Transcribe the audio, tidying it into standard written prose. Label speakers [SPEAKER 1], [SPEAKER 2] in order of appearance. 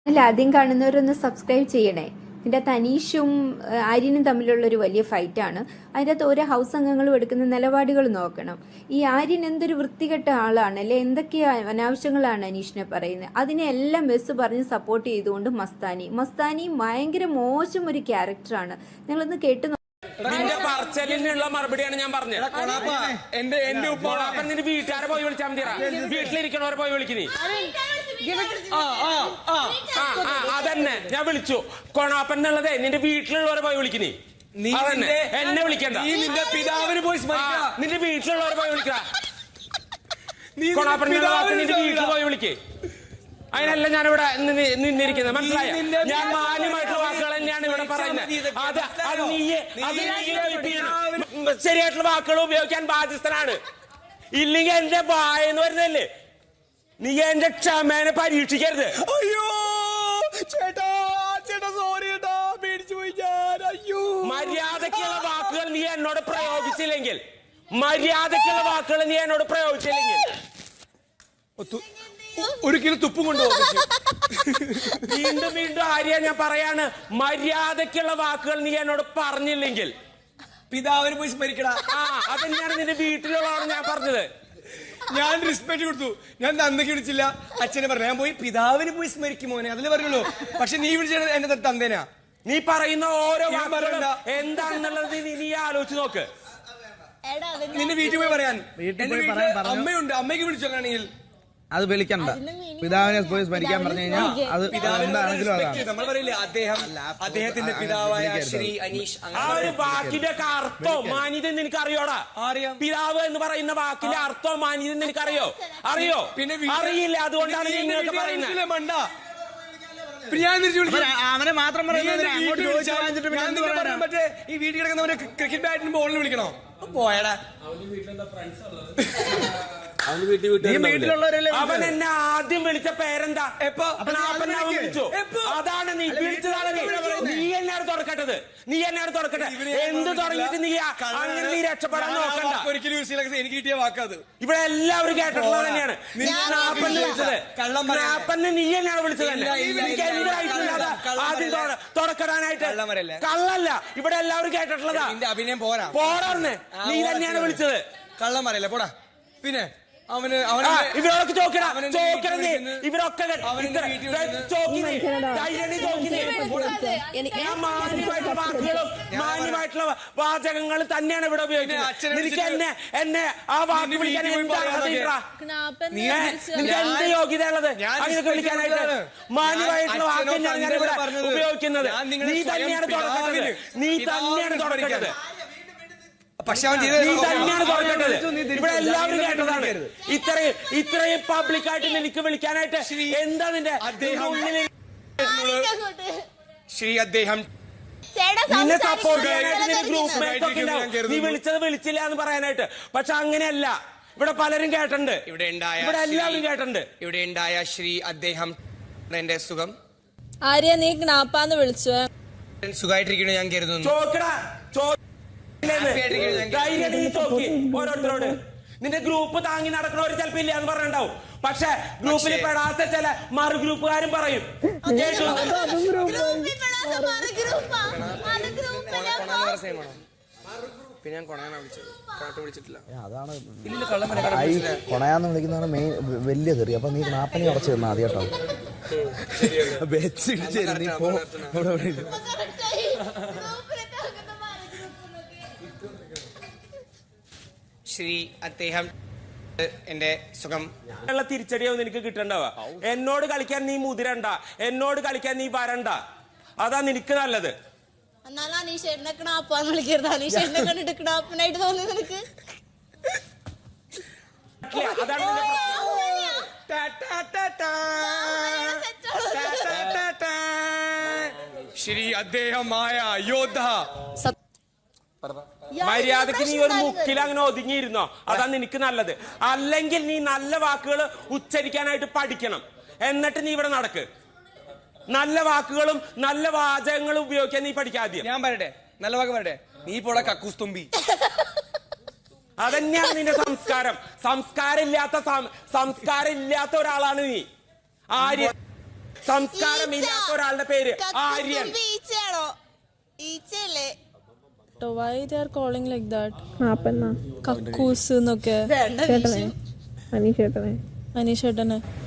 [SPEAKER 1] അല്ല, ആദ്യം കാണുന്നവരൊന്ന് സബ്സ്ക്രൈബ് ചെയ്യണേ. ഇതിൻ്റെ തനീഷും ആര്യനും തമ്മിലുള്ളൊരു വലിയ ഫൈറ്റാണ്. അതിൻ്റെ അകത്ത് ഓരോ ഹൗസ് അംഗങ്ങളും എടുക്കുന്ന നിലപാടുകൾ നോക്കണം. ഈ ആര്യൻ എന്തൊരു വൃത്തികെട്ട ആളാണ് അല്ലെ, എന്തൊക്കെയാ അനാവശ്യങ്ങളാണ് അനീഷിനെ പറയുന്നത്. അതിനെല്ലാം ബസ് പറഞ്ഞ് സപ്പോർട്ട് ചെയ്തുകൊണ്ട് മസ്താനി ഭയങ്കര മോശം ഒരു ക്യാരക്ടറാണ്. നിങ്ങളൊന്ന് കേട്ട്
[SPEAKER 2] നിന്റെ പറച്ചലിനുള്ള മറുപടിയാണ് ഞാൻ പറഞ്ഞത്. എന്റെ ഉപ്പോളാപ്പൻ നിന്റെ വീട്ടുകാരെ പോയി വിളിച്ചാൽ മതിയാ. വീട്ടിലിരിക്കണവരെ പോയി വിളിക്കുന്നേ. അതന്നെ ഞാൻ വിളിച്ചു. കൊണാപ്പൻ എന്നുള്ളതേ നിന്റെ വീട്ടിലുള്ളവരെ പോയി വിളിക്കുന്നേ. അതന്നെ എന്നെ വിളിക്കണ്ട. നിന്റെ പിതാവിന് പോയി നിന്റെ വീട്ടിലുള്ളവരെ പോയി വിളിക്ക. കൊണാപ്പൻ നിന്റെ വീട്ടിൽ പോയി വിളിക്കേ. അതിനല്ല ഞാനിവിടെ നിന്നിരിക്കുന്നത്, മനസ്സിലായ? ഞാൻ മാന്യമായിട്ടുള്ള വാക്കുകൾ തന്നെയാണ് ഇവിടെ പറയുന്നത്. ശരിയായിട്ടുള്ള വാക്കുകൾ ഉപയോഗിക്കാൻ ബാധ്യസ്ഥനാണ്. ഇല്ലെങ്കിൽ എന്റെ വായെന്ന് വരുന്നല്ലേ. നീ എന്റെ ക്ഷമേനെ പരീക്ഷിക്കരുത്.
[SPEAKER 3] അയ്യോ ചേട്ടാ, ചേട്ടാ സോറി ചേട്ടാ, പേടിച്ചു പോയി ഞാൻ. അയ്യോ,
[SPEAKER 2] മര്യാദക്കുള്ള വാക്കുകൾ നീ എന്നോട് പ്രയോഗിച്ചില്ലെങ്കിൽ
[SPEAKER 3] ഒരു കിലോ തുപ്പും കൊണ്ടുപോകും.
[SPEAKER 2] വീണ്ടും വീണ്ടും ആര്യ ഞാൻ പറയാണ്, മര്യാദക്കുള്ള വാക്കുകൾ നീ എന്നോട് പറഞ്ഞില്ലെങ്കിൽ
[SPEAKER 3] പിതാവിന് പോയി സ്മരിക്കടാ.
[SPEAKER 2] അതെന്നെയാണ് നിന്റെ വീട്ടിലുള്ളതാണ് ഞാൻ പറഞ്ഞത്.
[SPEAKER 3] ഞാൻ റെസ്പെക്ട് കൊടുത്തു. ഞാൻ തന്തയ്ക്ക് വിളിച്ചില്ല, അച്ഛനെ പറഞ്ഞു. ഞാൻ പോയി പിതാവിന് പോയി സ്മരിക്കും മോനെ, അതിലേ പറഞ്ഞുള്ളൂ. പക്ഷെ നീ വിളിച്ചത് എന്റെ തന്തേനാ.
[SPEAKER 2] നീ പറയുന്ന ഓരോ വാക്കുകളും എന്താണെന്നുള്ളത് നീ ആലോചിച്ച് നോക്ക്.
[SPEAKER 3] നിന്റെ വീട്ടിൽ പോയി പറയാൻ. അമ്മയുണ്ട്, അമ്മയ്ക്ക് വിളിച്ചു. അങ്ങനെയാണെങ്കിൽ
[SPEAKER 4] അത് വിളിക്കണ്ട. പിതാവിനെ പോയി സ്മരിക്കാൻ പറഞ്ഞു കഴിഞ്ഞാൽ അത്
[SPEAKER 3] നമ്മൾ പറയില്ലേ, അദ്ദേഹത്തിന്റെ പിതാവായ ശ്രീ അനീഷ്.
[SPEAKER 2] ആ ഒരു വാക്കിന്റെ അർത്ഥവും മാന്യത നിനക്ക് അറിയോടാ?
[SPEAKER 3] അറിയാം.
[SPEAKER 2] പിതാവ് എന്ന് പറയുന്ന വാക്കിന്റെ അർത്ഥവും മാന്യത നിനക്ക് അറിയോ? പിന്നെ അറിയില്ല. അതുകൊണ്ടാണ് നിങ്ങൾക്ക് പറയുന്നത്.
[SPEAKER 3] മണ്ട. ഞാൻ
[SPEAKER 4] അവനെ മാത്രം
[SPEAKER 3] മറ്റേ ഈ വീട്ടിൽ കിടക്കുന്നവരെ ക്രിക്കറ്റ് ബാറ്റിന് ബോളിന് വിളിക്കണോ? പോയടാ.
[SPEAKER 2] അവൻ എന്നെ ആദ്യം വിളിച്ച പേരെന്താ? വിളിച്ചു. അതാണ് നീ വിളിച്ചതാണ്. നീ എന്നാണ് തുറക്കട്ടത്. എന്ത് തുടങ്ങിയിട്ട് നീ അങ്ങനെ നീ രക്ഷപ്പെടാൻ നോക്കണ്ട.
[SPEAKER 3] ഒരിക്കലും എനിക്ക് കിട്ടിയ വാക്കത്
[SPEAKER 2] ഇവിടെ എല്ലാവരും കേട്ടിട്ടുള്ളത് തന്നെയാണ്. വിളിച്ചത് കള്ളപ്പന്നെ നീ എന്നാണ് വിളിച്ചത്. ആദ്യം തുറക്കടാനായിട്ട് കള്ളല്ല. ഇവിടെ എല്ലാവരും കേട്ടിട്ടുള്ളതാ.
[SPEAKER 3] അഭിനയം പോരാ.
[SPEAKER 2] പോരാന്ന് നീ തന്നെയാണ് വിളിച്ചത്.
[SPEAKER 3] കള്ളം പറയല്ലേ, പോടാ. പിന്നെ
[SPEAKER 2] ഇവരൊക്കെ ഇവരൊക്കെ മാന്യമായിട്ടുള്ള വാചകങ്ങൾ തന്നെയാണ് ഇവിടെ ഉപയോഗിക്കുന്നത്. എനിക്ക് എന്നെ ആ വാക്ക് വിളിക്കാൻ എന്ത് യോഗ്യത ഉള്ളത് അങ്ങനെ വിളിക്കാനായിട്ട്? മാന്യമായിട്ടുള്ള വാക്ക് തന്നെയാണ് ഞാൻ ഇവിടെ ഉപയോഗിക്കുന്നത്. നീ തന്നെയാണ് തുടക്കേണ്ടത്.
[SPEAKER 3] പക്ഷെ
[SPEAKER 2] ഇവിടെ എല്ലാവരും കേട്ടതാണ്. ഇത്രയും പബ്ലിക്കായിട്ട് നിനക്ക് വിളിക്കാനായിട്ട് എന്താ നിന്റെ
[SPEAKER 3] ശ്രീ അദ്ദേഹം
[SPEAKER 2] നിന്നെ സപ്പോർട്ട് ചെയ്യാനായിട്ട് നിന്റെ ഗ്രൂപ്പ് മേറ്റ് ഒക്കെ ഉണ്ടാവും. നീ വിളിച്ചില്ല എന്ന് പറയാനായിട്ട്. പക്ഷെ അങ്ങനെയല്ല. ഇവിടെ പലരും കേട്ടിട്ടുണ്ട്. ഇവിടെ എല്ലാവരും കേട്ടിട്ടുണ്ട്.
[SPEAKER 3] ഇവിടെ ഉണ്ടായ ശ്രീ അദ്ദേഹം എന്റെ സുഖം.
[SPEAKER 5] ആര്യ, നീ ജ്ഞാപ്പാന്ന് വിളിച്ചു.
[SPEAKER 3] സുഖമായിട്ടിരിക്കണോ ഞാൻ കരുതുന്നു.
[SPEAKER 2] ഓരോരുത്തരോട് നിന്റെ ഗ്രൂപ്പ് താങ്ങി നടക്കണവർ ചിലപ്പോ ഇല്ല എന്ന് പറഞ്ഞിട്ടുണ്ടാവും. പക്ഷെ ഗ്രൂപ്പിൽ പെടാത്ത ചില മറു ഗ്രൂപ്പുകാരും പറയും.
[SPEAKER 3] പിന്നെ ഞാൻ കൊണയാന്ന് വിളിച്ചത്, വിളിച്ചിട്ടില്ല.
[SPEAKER 4] അതാണ് കൊണയാന്ന് വിളിക്കുന്നതാണ് മെയിൻ വലിയ തെറി. അപ്പൊ നീ നാപ്പനി ഉറച്ചു തന്നാ മതി കേട്ടോ.
[SPEAKER 3] ശ്രീ അദ്ദേഹം എന്റെ സുഖം.
[SPEAKER 2] തിരിച്ചടിയാവും നിനക്ക് കിട്ടണ്ടാവുക. എന്നോട് കളിക്കാൻ നീ മുതിരണ്ട, എന്നോട് കളിക്കാൻ നീ വരണ്ട. അതാ നിനക്ക് നല്ലത്.
[SPEAKER 5] എന്നാലും അനീഷേട്ടനെ ക്ണാപ്പാന്ന് വിളിക്കരുത്. അനീഷേട്ടനെ കണ്ടിട്ട് ക്ണാപ്പനായിട്ട് തോന്നി നിനക്ക്?
[SPEAKER 2] അതാണ്
[SPEAKER 3] ശ്രീ അദ്ദേഹമായ യോദ്ധ.
[SPEAKER 2] മര്യാദക്ക് നീ ഒരു മുക്കിൽ അങ്ങനെ ഒതുങ്ങിയിരുന്നോ? അതാ നിനക്ക് നല്ലത്. അല്ലെങ്കിൽ നീ നല്ല വാക്കുകൾ ഉച്ചരിക്കാനായിട്ട് പഠിക്കണം. എന്നിട്ട് നീ ഇവിടെ നടക്ക്. നല്ല വാക്കുകളും നല്ല വാചകങ്ങളും ഉപയോഗിക്കാൻ നീ പഠിക്കാദ്യം.
[SPEAKER 3] ഞാൻ പറയട്ടെ, നല്ല വാക്ക് പറയട്ടെ. നീ പോടാ കക്കൂസ് തുമ്പി.
[SPEAKER 2] അതന്നെയാണ് നിന്റെ സംസ്കാരം. സംസ്കാരം ഇല്ലാത്ത ഒരാളാണ് നീ. ആര്യ സംസ്കാരമില്ലാത്ത ഒരാളുടെ പേര് Aryan.
[SPEAKER 5] ഈച്ചയാണോ? ഈച്ചയല്ലേ?
[SPEAKER 6] Why they are calling like that?
[SPEAKER 7] പാപ്പന്നാ
[SPEAKER 6] കക്കൂസ് എന്നൊക്കെ
[SPEAKER 5] വേണ്ട
[SPEAKER 7] ചേട്ടനെ അനീഷ് ചേട്ടനെ
[SPEAKER 6] അനീഷേട്ടനെ